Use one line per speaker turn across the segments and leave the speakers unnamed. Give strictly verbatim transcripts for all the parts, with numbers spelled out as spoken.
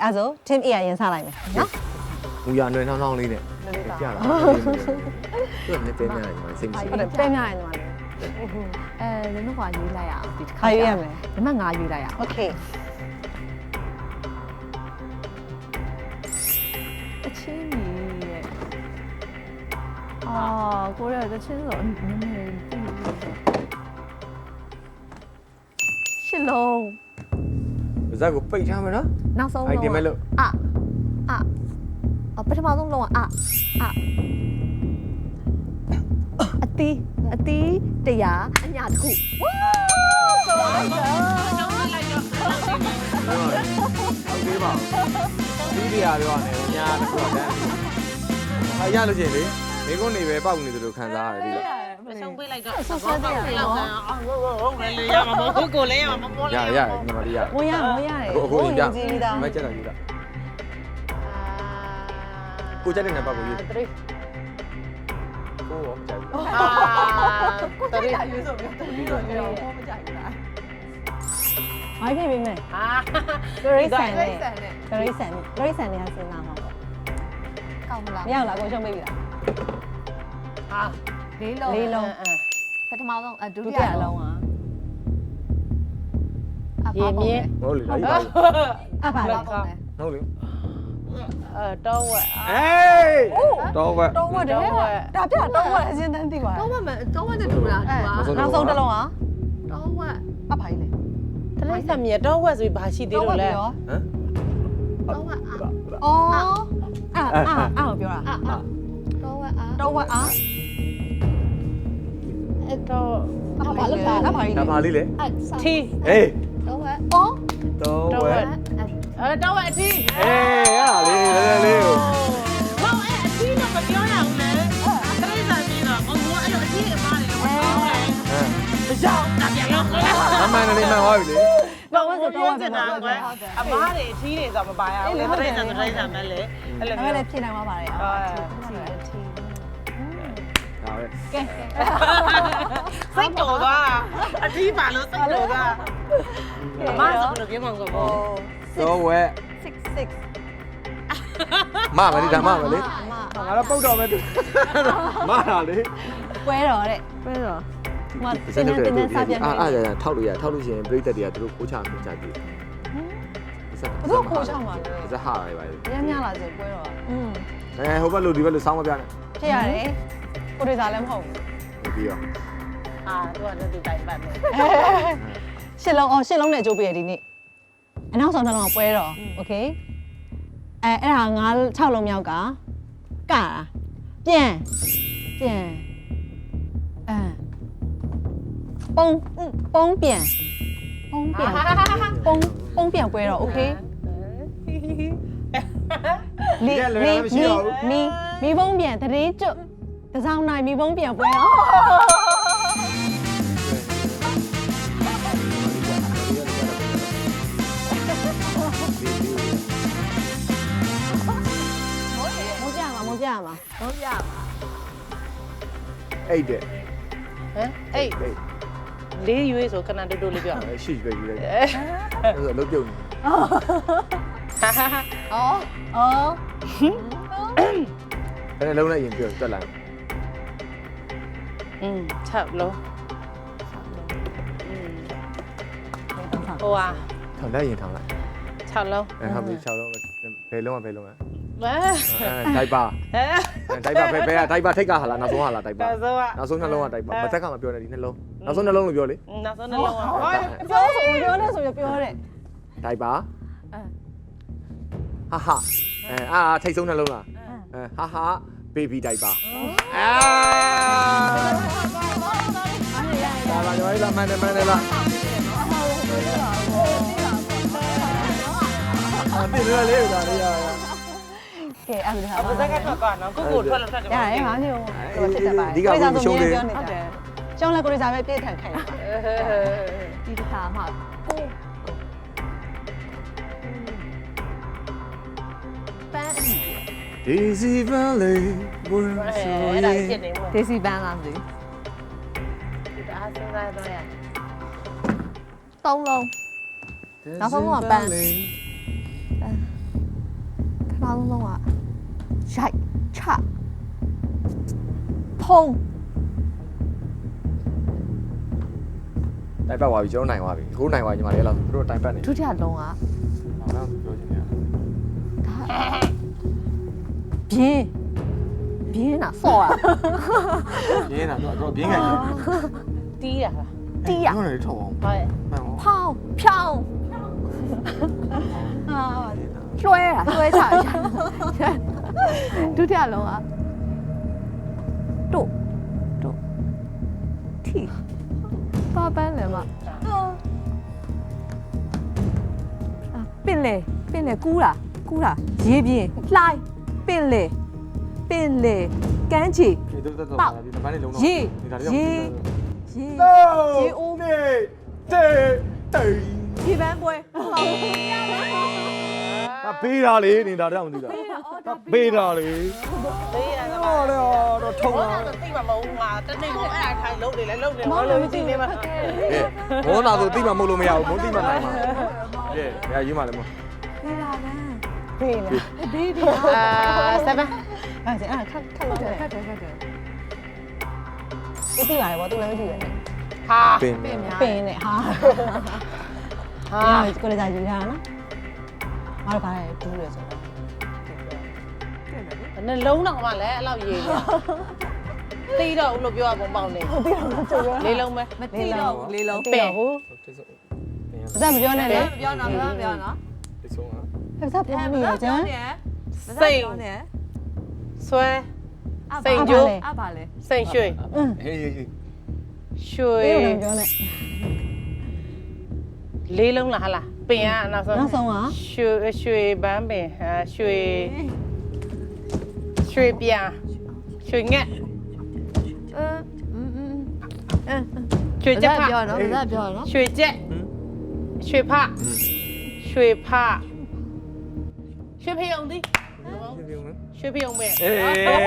အဲ့ဆို team A ရရင်စားလိုက်မယ်နော်
မူရနွယ်နှောင်းနှောင်းလေးနဲ့ပြလာသူကလည်းပဲများတယ်စိတ်မရှိ
ဟုတ်တယ်ပဲများရင်ညီမလေး
အဲနင်တို့ကရွေးလိုက်ရအောင်ဒီတစ်ခါ
ခါရွေးရမယ်
ဒီမှာငါရွေးလိုက်ရအောင်
okay
အချင်းကြီးရဲ့အာကိုရတဲ့ချင်းဆိုနည်းနည်းသိရှစ်လုံး
ပါဇက်ကိုပိတ်ထားမယ်နော်
နောက်ဆုံး
အဲ့
လုံး
ဒီမဲ့လို့
အာအာအပထမဆုံးလုံးကအာအာအတီးအတီးတရားအညာတစ်ခုဝါးဆိုလိုက်တော့
ဟုတ်သေးပါဒီဒီရပြောရတယ်ညာတခုတန်းဟာရလို့ချင်းလေမိကုန်းနေပဲပောက်နေသလိုခံစားရတယ်ဒီလို
မဆုံးပေးလိုက်တော့ဆောဆောပေးလောက်ကန်အောင်ဟုတ်ဟုတ်လေလေရမှာမဟုတ်ကိုလည်းရမှာမပေါ်
ရ
လေ
ရညီမလေးရ
ဝင်ရဝင်ရတယ်
ကိုကိုရင်ပြ
ကြည့်ပြီးသား
မချက်တာယူတာကိုချက်တဲ့နံပါတ်ကိုယူ
3
ကိုရောချက်
အာတရီ
ရွေးဆိုပြီးတော့ရွေးဆိုပြီးတော့မကြိုက်ဘူးလား
မိုင်းပြပေးမယ်
အာ
ဂရိတ်ဆန်နဲ့
ဆန်နဲ့
ဂရိတ်ဆန်နဲ့ဂရိတ်ဆန်နဲ့စဉ်းစားမှာပေါ့
ကောင်းမလား
မရဘူးလားကိုရှုံးပေးပြီလား
အာ
လေးလုံး
လေးလုံး
ပထမဆုံးအဒု
ဒု
တိ
တိ
ယ
ယ
လုံး
လုံးอ่ะ
ရေမြင့်
ဟုတ်လေဒါကြီးပါ
အပါလေ
ဟုတ်လေ
အဲတော့ဝက်
အေးတော့ဘက်
တော့ဝတ်တယ်ဒါပြတော့ဝတ်အစင်းတန်းသိပါ
တော့မမတော့ဝတ်တဲ့တူလားတူပါ
နောက်ဆုံးတစ်လုံးอ่ะ
တော့ဝတ်
အပါကြီးလေ
တလိဆံမြေတော့ဝက်ဆိုပြီးဘာရှိသေးလို့လဲ
ဟမ်
တော့ဝတ်အာ
အော်အာအာအာပြောတာ
အာတော့ဝတ်အာ
တော့ဝတ်အာ
အဲ့တော့
အပါလို့တာအပါကြီး
ဒါ
လေ
ပါလေးလေ
အ
ထီ
အေး
တော့ဝတ်
အော်
တော့ဘက်
အဲတော့ဝက်အထီ
အေးရလေးလေးလေးကို
ဟုတ်အဲ့အထီတော့မပြောရဘူးလေတလိဆံမြေတော့ဘုံဘအဲ့လိုအထီအမားတွေတော့မကောင်းလေ
ဟမ်
ကြောက်တာပြန်လို့
အမှန်တည်းမှန်သွားပြီလေ
တော့ဝတ်ဆိုတော့ဝတ်
ကျ
တယ်
င်တာကွယ်အမားတွေအထီတွေဆိုမပါရဘူးလေတလိဆံတလိဆံပဲလေအဲ့လို
အဲ့
မျိုး
လည်းဖြေနိုင်မှာပါတယ်အော်
ဒါပဲ
ကဲ
စိတ်တော်သွားအထီးပါလို့စိတ်တော်သွားအမဆိုဘယ်လိုပြောမှန်းကောဘော
တော့ဝက်
six
မမလေးဒါမမလေး
မ
ငါတော့ပုတ်တော့မယ်သူမလာလေ
ပွဲတော်တဲ့
ပဲတော့
ဟိုတင်းတင်းတင်းစားပြန်
အာ
နေ
အာရထောက်လို့ရထောက်လို့ရှိရင်ပြိတ္တတွေကသူတို့ခိုးချခိုးချပြီ
ဘယ်လိုခိုးချမှာလဲ
ဇက်ဟာရပါလေ
ညညလာဆိုပွဲတော်อืม
အဲဟိုဘက်လို့ဒီဘက်လို့စောင်းမပြနဲ့
ဖြစ်ရတယ်ကိုတွေစားလည်းမဟုတ်ဘူး
ပြီးရော
အာသူကလည်းသူတိုင်ပတ်မယ်
ရှစ်လုံးအော်ရှစ်လုံးနဲ့ကြိုးပေးရဒီနေ့အနောက်ဆောင်နှလုံးကပွဲတော်โอเคအဲအဲ့ဒါငါး၆လုံးမြောက်ကကတာပြန်ပြန်အဲပုံပုံပြန်ပုံပြန်ပုံပုံပြန်ပွဲတော်โอเคလီလီမီမီမီပုံပြန်တရေကျွတ်တစောင်းနိုင်မီပုံပြန်ပွဲတော်မကြမှာမကြမှာ
တော့ရပါ
အဲ့တဲ့
ဟမ်အေးလေးရွေးဆိုခဏတူတူလေးပြော
ရှိပဲယူလိုက်အဲ့ဆိုလုံးပြုတ်နေ
အော်အော်
အဲ့လုံးနဲ့ရင်ပြောတက်လာ
อืม6လုံးဟိုဟာ
ထောင်လိုက်ရင်ထောင်လိုက်
6လုံး
အဲဟုတ်ပြီ၆လုံးဘယ်လုံးကဘယ်လုံးလဲ
ဝဲ
အဲဒိုက်ပါ
ဟဲ့
ဒိုက်ပါဘယ်ဘယ်ဒိုက်ပါထိတ်ကဟာလားနောက်ဆုံးဟာလားဒိုက်ပါ
ဒါဆိုက
နောက်ဆုံးနှလုံးကဒိုက်ပါမသက်ကမပြောနဲ့ဒီနှလုံးနောက်ဆုံးနှလုံးလို့ပြောလေ
နောက်ဆုံးနှလုံးကဟော
ပြောဆိုပြောနေဆိုပြောတဲ့
ဒိုက်ပါဟာဟာအဲအာထိတ်ဆုံးနှလုံးလားအဲဟာဟာဘေဘီဒိုက်ပါအာဒါပါရောလာမန်တယ်မန်တယ်လားအတိရလေးဒါလေးရ
ကဲအဲ့ဒါ
အပဇက်ကထွက်သွားနော်ကိုကိုထွက်လို့ထွက်တယ်
ရတယ်ဘာမျိုးတော့ဖြစ်တတ်ပါတယ်ရှုံးလဲကိုရီးစားပဲပြည့်ထန်ခိုင်း
ဒီတစ်ခါမှကိုပန်းအီ
Daisy Valley ဘွန်း
အဲ
ဆို
အဲ့
ရ
ဒါ
င်
ဖြစ်နေမို့
ဒေစီပန်းလားမသိ
ဒါစဉ်းစားတော့ရ
သုံးလုံး နောက်ဆုံးကပန်းဆုံးဆုံးကရိုက်ချဖုံး
တိုင်ပတ်သွားပြီကျွန်တော်နိုင်သွားပြီကိုနိုင်သွားညီမလေးအဲ့လောက်သူတို့တိုင်ပတ်နေ
ဒုတိယလုံးက
ဘာမှပြောချင်နေရ
ပြင်းပြင်းတာဆော့ရ
ရင်းတာတော့တော့ပြင်းခံတယ်
တီးရလား
တီးရ
ကျွန်တော်လည်းထောက်အောင်
ဟုတ်ရဲ့
မှန်ပါ
ဖောင်းဖြောင်းအာလွှဲတာလွှဲချရဒုတိယလုံးကတို့တို့ထီပါပန်းလည်းမပင်လေပင်လေကူးတာကူးတာရေးပြင်းလှိုင်းပင်လေပင်လေကန်းချီ
ဒီတို့တော့တော့ဒီမန်းလေးလုံးတော့
ရေ
ဒီဒါလေး
ရေ
တော့
ရေ
ရေအိုးနေတေးတေး
ဒီပန်းပွဲဟုတ်ပါဘူး
ဒါပေးတာလေနေတာတော့မသိတာပေးတာလေ
တေးရတာ
ဟောလေတော့ထုံ
ဘော
တာ
နာတော့သိမှာမဟုတ်ငါတနေ့ကိုအဲ့ဒါထိုင်လုံးနေလဲလုံးနေဘာလို့မသိနေမှာ
ကဲဘောနာဆိုတိမှမဟုတ်လို့မရဘူးမုန်းတိမှနိုင်မှာကဲရရေးမှလည်းမ
ဒီလာပန်း
ဖေးလား
ဒီဒီ
အာseven
အဲ့ဒါခက်ခက်လို့တယ်
ခက်တယ်ခက်တယ်
သူသိပါတယ်ဗောသူလည်းမသိပဲနဲ့
ဟာ
ပင်
ပင်များ
ပင်နဲ့ဟာ
ဟာ
ဟာကိုလည်းသာယူထားတာနော်ငါတို့ပါတယ်ဒူးတယ်ဆိုတော့
နှလုံးတော့မှလည်းအဲ့လောက်ရေးနေသိတော့ဦးလို့ပြောရပုံပေါက်နေ
ဟုတ်ပြီတော့ကြိုးရ
လေးလုံးပဲ
မသိတော့ဘူးလေးလုံး
ပင်ဘူး
တိတ်ဆုံး
စက်မပြောနဲ့လေ
ပြောနော်ပြောပြောနော်
တိတ်ဆုံးဟာ
စက်ပြောမိရကျန်
စိတ်ဆွဲစိတ်ကျိုး
အပါလေ
စိတ်ရွှေ
อืม
ဟေးဟေးဟေး
ရွှေ
ပေးလို့ပြောနဲ့
လေးလုံးလားဟာလားပင်ကနောက်ဆုံး
နောက်ဆုံးက
ရွှေရွှေပန်းပင်ဟာရွှေရွှေပြာရွှေငက်
အင်းอืมအင်း
ရွှေချက်ဖ
ပြောနော်ဒါပြောနော်
ရွှေချက်ရွှေဖရွှေဖရွှေဖယုံသည်ရွှေဖယုံပဲ
အေး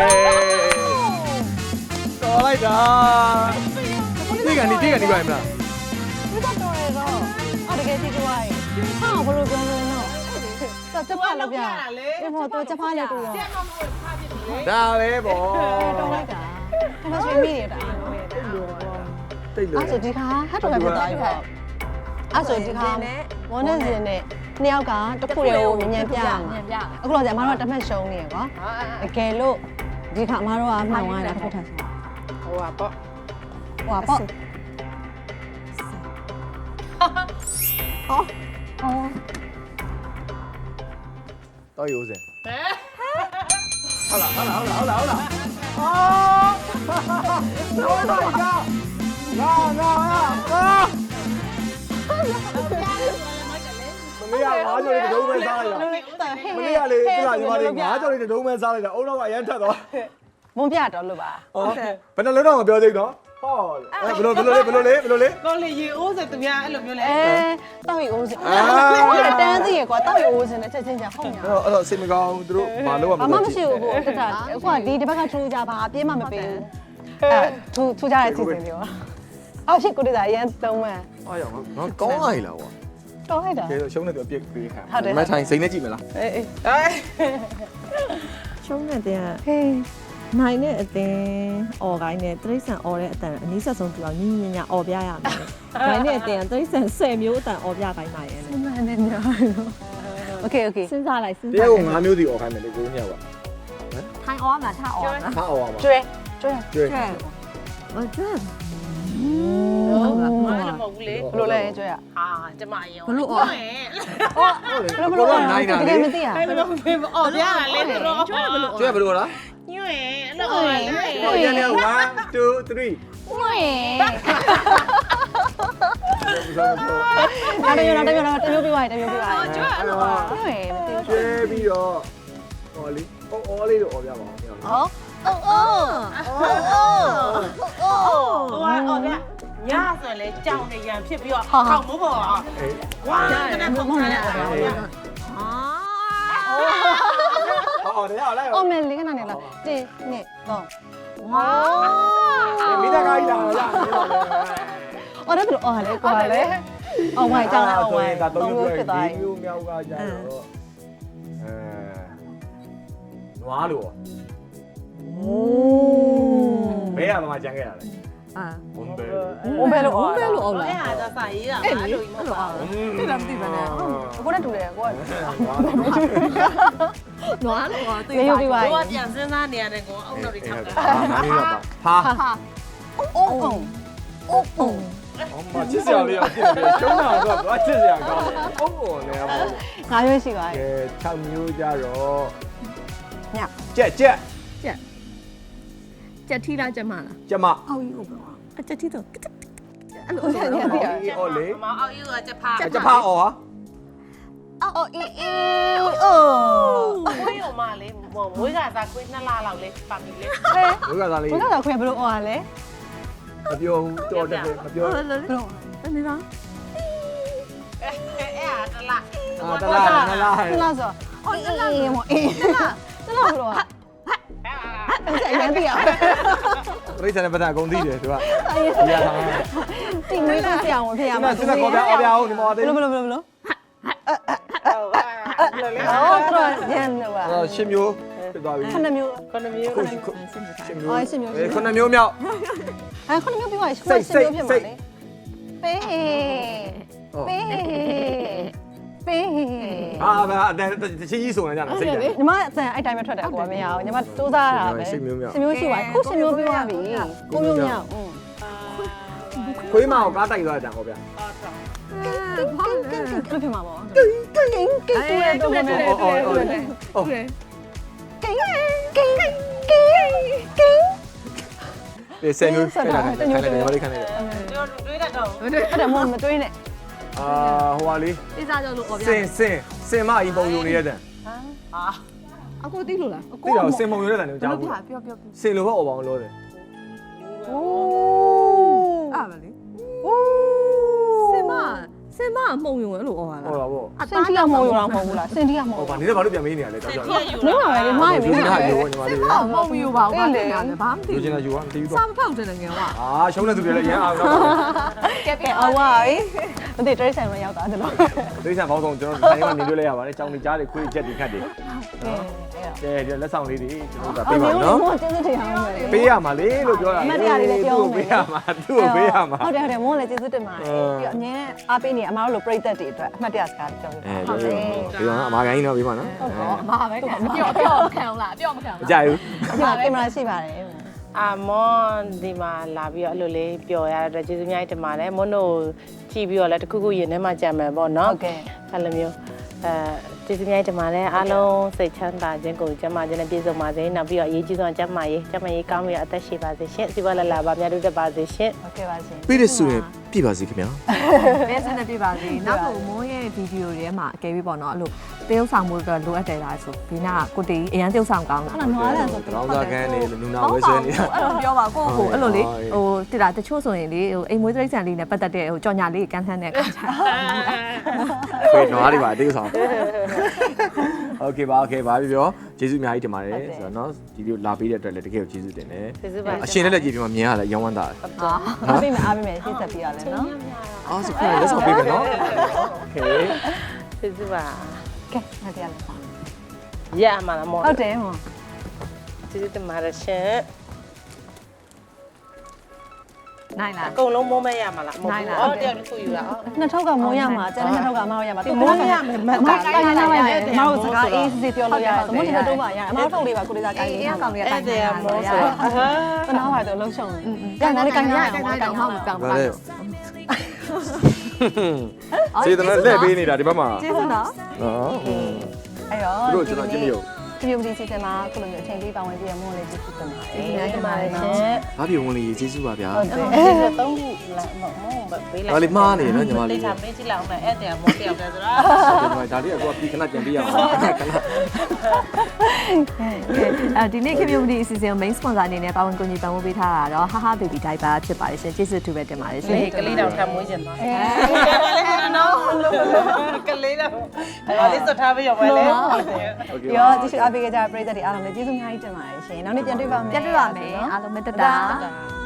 တော်လိုက်တာဒီကနေဒီကနေပါမလား
ဒီတော့တော်ရတော့အော်တကယ်ကြည့်ကြွားရင်ဟာဘလို့ပြောလို့နော်စက်ချက်ဖားလို့ပြဒီမောတော့ချက်ဖားလေးတူရော
ချက်မမွေဖဖြစ်တယ်လေ
ဒါပဲဗော
တော်လိုက်တာဒါမှဆွေးမိနေတာ
တိတ်လို့
အဲ့ဆိုဒီခါဟတ်တော်ရဖြစ်သွားပြီပေါ့အဲ့ဆိုဒီခါမောနဲ့စင်နဲ့နှစ်ယောက်ကတစ်ခုတည်းကိုမြင်မြန်ပြရမှာအခုတော့ကျမတို့ကတမက်ရှုံးနေရကွာတကယ်လို့ဒီခါမတို့ကမှောင်သွားတာတစ်ခုထပ်ဆို
ဟိုပါပေါ့
ဟွာပေါ့အော်အော်
တော့ရိုးစင်
ဟဲ့
ဟုတ်လားဟုတ်လားဟုတ်လားဟုတ်လားဟုတ်လားအော်တော်လိုက်တာငါငါငါမမေကငါးကြော်လေးတုံးပဲစားလိုက်တာမမေကလေသူကညီမလေးငါးကြော်လေးတုံးပဲစားလိုက်တာအုံတော့ကအရန်ထက်သွား
မုံပြတော်လို့ပါ
ဟုတ်ဘယ်နှလုံးတော့မပြောသေးဘူးနော်ဟောဘယ်လိုဘယ်လိုလေးဘယ်လိုလေးဘယ်လိုလေး
တော့လေရေအိုးစသူများအဲ့လိုမျိုးလဲ
အဲတောက်ရီအိုးစင်တန်းစီရကွာတောက်ရီအိုးစင်နဲ့ချက်ချင်းချာဟုတ်ညာ
အဲ့တော့အဲ့တော့စိတ်မကောင်းသူတို့မလုပ်ရမ
ဘာ
လို့
မှမရှိဘူးကိုတက်တာအခုကဒီတစ်ဘက်ကထူးကြပါအပြင်းမှမပေးဘူးအဲထူးထူးကြတဲ့စီစဉ်တွေပါအော်ရှိကိုတည်းကအရန်သုံးမှန်
အားရအောင်ငါကောင်းလိုက်လားကွာ
တော်လိုက်တာ
ကဲရှုံးနေတော့အပြစ်ပေးခံ
ဟုတ်တယ်
မထိုင်စိတ်နဲ့ကြည့်မလား
အေးအေးအဲ
ရှုံးတဲ့တဲ့
ဟေး
နိုင်တဲ့အတင်းအော်ကိုင်းနဲ့တရိษံအော်တဲ့အတန်အနည်းဆက်ဆုံးတူအောင်ညီညီညာအော်ပြရမယ်။နိုင်တဲ့အတင်းတရိษံဆယ်မျိုးအတန်အော်ပြတိုင်းပါရဲ့
မှန်တယ်ညာโอเคโอเค
။စဉ်းစားလိုက်စဉ်း
တ
စား
ကယ်ကိုငါးမျိုးစီអော်ခိုင်းမယ်လေကိုညောက်ပါ
ထိုင်အော်မှာထားအော်နော်
ဟာអော်ပါမှာ
ကျွဲကျွဲ
ကျွေး
။မကျွတ်
ဟုတ်လားမလည်းမဟုတ်ဘူးလေ
ဘလို့လဲကျွဲอ่ะ
ဟာကျမရင်
ဟုတ်လေ
ဟုတ်လေ
ကိုတော့နိုင်တာ
တက
လေ
ယ်မသိရ
အဲ့လိုဖေးအော်ပြရလေတော့ကျွတ်ဘလို့
ကျွေးဘယ်လိုလား
ညွှဲအဲ့လိုအော်လေ
ဟောရနေone two three
ဝေးနားတမျိုးနားတမျိုးနားတမျိုးပြပါတမျိုးပြပါကျွဲအဲ့လိုပါဝေးမသိ
ကျွေးပြီးတော့ဟောလေဟောအော်လေးတော့អော်ပြပါအောင်
ဟောအော်အော်အော်အော်
ဟိုအော်ပြညဆိုလေကြောင်နေရန်ဖြစ်ပြီးတော့ခေါက်မိုးပေါ်အောင်ဝါကနေပုံစံနဲ့အော်ပြ
ဟောအော်တယ်ဟောလိုက်
အော်မယ်လေးကနားနေလားတင်းနှစ်သုံးဝါ
မိသားကြီးလာလာ
အော်ဒါဘယ်လိုအော်လဲကွာလေအော်ဝိုင်ကြောင်းလိုက်အော်ဝိုင်
ဒါ
သုံး
တော့
လို့ဖြစ်သွားပြီ
မျိုးမြောက်ကကြတော့အဲနွားလို့
โอ้
ဘယ်ရမှာကြံခဲ့ရလဲ
อ่า
ဘုံဘဲ
ဘုံဘဲလို့
ဘုံဘဲလို့အော်လား
အဲ့ဟာတော့စာရေးတာပါအဲ့လိုကြီးမဟုတ်ပါဘူး
တိလားမသိပါနဲ့
ကိုနဲ့တူတယ်ကိုက
နွားလို့အော်သိ
ရေယူပြီးပါ
ကိုကပြန်စဉ်းစားနေရတယ်ကိုအုပ်တော်တွေထောက်တာ
နားလေးတော့ပါဟာ
အုံးအုံးအုံးအုံး
အမချစ်စရာလေးအောင်ဖြစ်နေတယ်ရှုံးတာတော့ဘာချစ်စရာကောင်းလဲအုံးပေါ်နေရပါဘူး
ငါရွေးရှိပါ
ကဲ
ရဲ့
၆မျိုးကြတော့
ည
ကြက်ကြက်
ကြက်ကြက်ထီလားကြက်မလား
ကြက်မ
အောက်ကြီးဟုတ်ပါအကြက်ထီတော့အဲ့လို
ဟုတ်တယ်ဟုတ်တယ်
အေးအော်လေ
မအောင်ယူကချက်ဖား
ကြက်ဖာအော်ဟာ
အော်အေးအေးအိုး
ခွေးရောမလေးမွေးကစားခွေးနှစ်လလောက်လေးပါပြီလေ
ဘုရားသားလေး
ဘုရားခွေဘလို့အော်ရလဲ
မပြောဘူးတော်တယ်မပြော
ဟုတ်လား
ဘလို့
တနေ့လား
အဲ့အဲ့ဟာတလား
အာတလားနလား
တလားဆိုအော်အေးအေးမအေးတလားတလားဘလို့อ่ะအဲ့ရန်တီးအောင်
ပြိဿနဲ့ပတ်သက်အကုန်သိတယ်သူကဒီရထား
တင်နေလို့ဆရာဝန်ဖြစ်ရ
ဒီ
မှာ
မှာစစ်ကောပြအော်ပြအောင်ဒီမှာသေး
ဘလို့ဘလို့ဘလို့ဘလို့
လေလေ
အော်တော့ရန်တော့ပါ
အော်ရှင်းမျိုးဖြစ်သွားပြီ
ခုနှစ်မျိုး
ခုနှစ်မျိုး
ခုရှင်းမျိုး
အော်ရှင်းမျိုး
အဲခုနှစ်မျိုးမြောက်
အဲခုနှစ်မျိုးပြီးသွားရှင်းရှင်းမျိုးဖြစ်မှာလေပေးပေးပေး
အာဗျာအတန်တချင်းကြီးဆိုနေကြတာစိတ်တယ်
ညီမအတန်အဲ့တိုင်းပဲထွက်တယ်ကိုကမရအောင်ညီမစူးစမ်းရတာပဲ
ရှင်းမျိုးမြောက်
ရှင်းမျိုးရှိပါခုရှင်းမျိုးပြီးသွားပြီကိုမျိုးမြောက်อืม
ခွေးမအောင်ကားတိုက်သွားကြဟောဗျာ
ကင်းကင်းကင်းကင်းဖြစ်မှာပေါ့ကင်းကင်းကင်းကင်းတူရတော့မယ်
အော်အော်အော်အော်
ကင်းကင်းကင်းကင်းကင်း
ဒီဆယ်မျိုးခိုင်းတာခိုင်းတယ်ဘာလေးခိုင်းတယ်
တို့တွေးတတ်တော့
အဲ့ဒါမှမတွေးနဲ့
အာဟိုပါလေး
တိစားကြောလို့အော်ပြ
စင်စင်စင်မအရင်ပုံယူနေတဲ့တန်
ဟာ
အကိုသိလို့လား
သိတော့စင်ပုံယူနေတဲ့တန်ကိုကြားဘူး
ပြောပြောပြော
စင်လိုဘက်အော်ပါအောင်လို့တယ်
โอ้
အဲ့ပါလေစင်မစင်မမှုံယုံအဲ့လိုအော်ရလား
ဟုတ်ပါဗော
စင်တီကမော်ယူတာမဟုတ်ဘူးလားစင်တီကမော်
ဟောပါနေတော့ဘာလို့ပြန်မေးနေရလဲတောက်ကြ
ပြည့်ယူ
မင်းပါပဲလေမားရမ
ယူ
င်း
နေတာ
ပါပဲ
ယူညီမလေး
အော်မှုံယုံပါဘာလဲဘာမှမသိ
ယူချင်
ဘူး
တာယူပါမသိဘူး
စာ
တော့
မဖောက်တဲ့ငယ်က
အာရှုံးတဲ့သူတွေလည်းရမ်းအောင်တော့
ကဲကဲအော်ဝါပြီမသိတရိတ်ဆိုင်မရောက်တာတလို့
ဒိဋ္ဌာန်ဘောင်းဆောင်ကျွန်တော်တိုင်းကနေတွေ့လိုက်ရပါတယ်။ကြောင်နေကြားတွေခွေးချက်တွေခတ်တွေ။ကဲဒီလက်ဆောင်လေးတွေကျွန်တော်ကပေးပါနော်
မော်ကျေးဇူးတင်အောင်မယ်
။ပေးရမှာလေလို့ပြောတာ
အမတ်တရားလေးလည်းပြောမယ်
ပေးရမှာသူ့ကိုပေးရမှာ
ဟုတ်တယ်ဟုတ်တယ်မော်လည်းကျေးဇူးတင်ပါတယ်ပြီးတော့အငင်းအားပေးနေအမားတို့လိုပြိသက်တွေအတွက်အမှတ်တရစကားပြောပြ
အဲ
ပါ
ပြော
ဟုတ်တယ်
ပြောအမာခိုင်းတော့ပေးပါနော်
ဟုတ်တော့အမားပဲကော
ပြောပြောမခံအောင်လားပြောမခံအောင်
မကြိုက်ဘူး
ဒီမှာကင်မရာရှိပါတယ်
အာမွန်ဒီမှာလာပြီးတော့အဲ့လိုလေးပျော်ရတဲ့အတွက်ကျေးဇူးများတင်ပါတယ်မွန်တို့ကြည့်ပြီးတော့လည်းတခုခုရင်ထဲမှာကြံမယ်ပေါ့နော်
ဟုတ်ကဲ့
အဲ့လိုမျိုးအဲကျေးဇူးများတင်ပါတယ်အားလုံးစိတ်ချမ်းသာခြင်းကိုကျန်းမာခြင်းနဲ့ပြည့်စုံပါစေနောက်ပြီးတော့အရေးကြီးဆုံးကျန်းမာရေးကျန်းမာရေးကောင်းပြီးတော့အသက်ရှည်ပါစေရှင်စီပွားလလာပါများတို့တက်ပါစေရှင်
ဟုတ်ကဲ့ပါရှင်
ပေးရဆိုရင်ပြပါစီခင်ဗျာ
ဘယ်စနေပြပါစေနောက်ဆုံးမိုးရဲ့ဗီဒီယိုတွေထဲမှာအကယ်ပြီးပေါ့နော်အဲ့လိုတရုပ်ဆောင်မှုတော့လိုအပ်တယ်လားဆိုဒီနာကိုတီအရန်တရုပ်ဆောင်ကောင်းတာ
အဲ့ဒါနွားလည်းဆို
တောင်းစားခန်းနေနူနာဝဲဆွဲနေတာ
အဲ့လိုပြောပါကိုယ့်ကိုအဲ့လိုလေ
ဟုတ်
ဟိုတိတာတချို့ဆိုရင်လေဟိုအိမ်မွေးတိရစ္ဆာန်လေးနဲ့ပတ်သက်တဲ့ဟိုကြော်ညာလေးကန်းဆန်းတဲ့ခါကျ
ခွေးနွားတွေပါအသေးဆောင်โอเคပါโอเคပါပြီပြောကျေးဇူးအများကြီးတင်ပါတယ်ဆိုတော့เนาะဒီလိုလာပေးတဲ့အတွက်လည်းတကယ်ကိုကျေးဇူးတင်တယ်
ကျေးဇူးပါ
အရှင်လည်းလည်းကြည့်ပြီးမှမြင်ရတာရောင်းဝမ်းတာတယ်
အားပေးမယ်အားပေးမယ်ရှင်းဆက်ပြရလဲနော်
အော်ဆိုခွေးလက်ဆောင်ပေးမယ်နော်โอเค
ကျေးဇူးပါ
ကဲငါတရားလဲ
ရမှာလားမော်
ဟုတ်တယ်ဟော
ကျေးဇူးတင်ပါတယ်ရှင်
နိုင်လား
အကုန်လုံးမိုးမဲရမှာလားမဟုတ်
နိုင်
ဘူး
လား
အော်တယောက်တစ်ခုယူတာအော်
နှစ်ထောက်ကမိုးရမှာကျန်တဲ့နှစ်ထောက်ကမအောင်ရမှာ
ဒီမိုးရမယ်မတ်တာ
ကိုင်းနေလိုက်မယ်မအောင်စကားအေးစစ်ပြောလို့ရတယ်သမုဒ္ဒရာတော့ပါရတယ်အမတို့ထုတ်လေးပါကိုလေးစားကိုင်း
အေး
လေး
အေးကောင်လေးအ
အဲ့
တိုင်း
ဒါကမောဆိုတော့
တနာပါတော့လှုပ်ရှုံတယ်ကန်လည်းကန်ရအောင်မကန်
ဟု
အောင်
တ်ကောင်း
ဘာ
ပါ
လဲစေတနာလက်ပေးနေတာဒီဘက်မှာ
ကျေးဇူးနော်
နော်
အဲ့တော့
သူတို့ကျွန်တော်ကြည့်မရုံ
ဒီလိုဒီစီစဉ်မှာခုလိုမျိုးအချိန်လေးပါဝင်ပြီးရမို့လေးကျေးဇူးတင်ပါတယ်
ကျေးဇူးများတင်ပါတယ်ရှင်
ဘာပြေဝင်လေးကျေးဇူးပါဗျာ
ဟုတ်တယ်
ကျေးဇူးသုံးခုလာမမောပေးလိုက်
ဒါလေးမှားနေနော်ညီမလေး
လေးချမေးကြည့်လိုက်အောင်မယ်အဲ့ဒါမောတယောက်တည်းဆိုတော့
ဒါလေးကကိုပြီးခဏပြန်ပြရအောင်ခဏ
အဲဒီနေ့ community အစီအစဉ် main sponsor အနေနဲ့ပါဝင်ကူညီပံ့ပိုးပေးထားတာတော့ haha baby diaper ဖြစ်ပါတယ်ရှင်ကျေးဇူးတူပဲတင်ပါတယ်ရှင်
ကလေးတောင်ထပ်မွေးကျင်သွားတယ်နော်ကလေးတောင်အဲ့လေးစထားပြီးရောပဲလေ
โอเค
ရောကြည့်ရှုအားပေးကြတဲ့ပရိသတ်တွေအားလုံးလည်းကျေးဇူးအများကြီးတင်ပါတယ်ရှင်နောက်နေ့ပြန်တွေ့ပါမယ်
ပြန်တွေ့ပါမယ်အားလုံးမေတ္တာ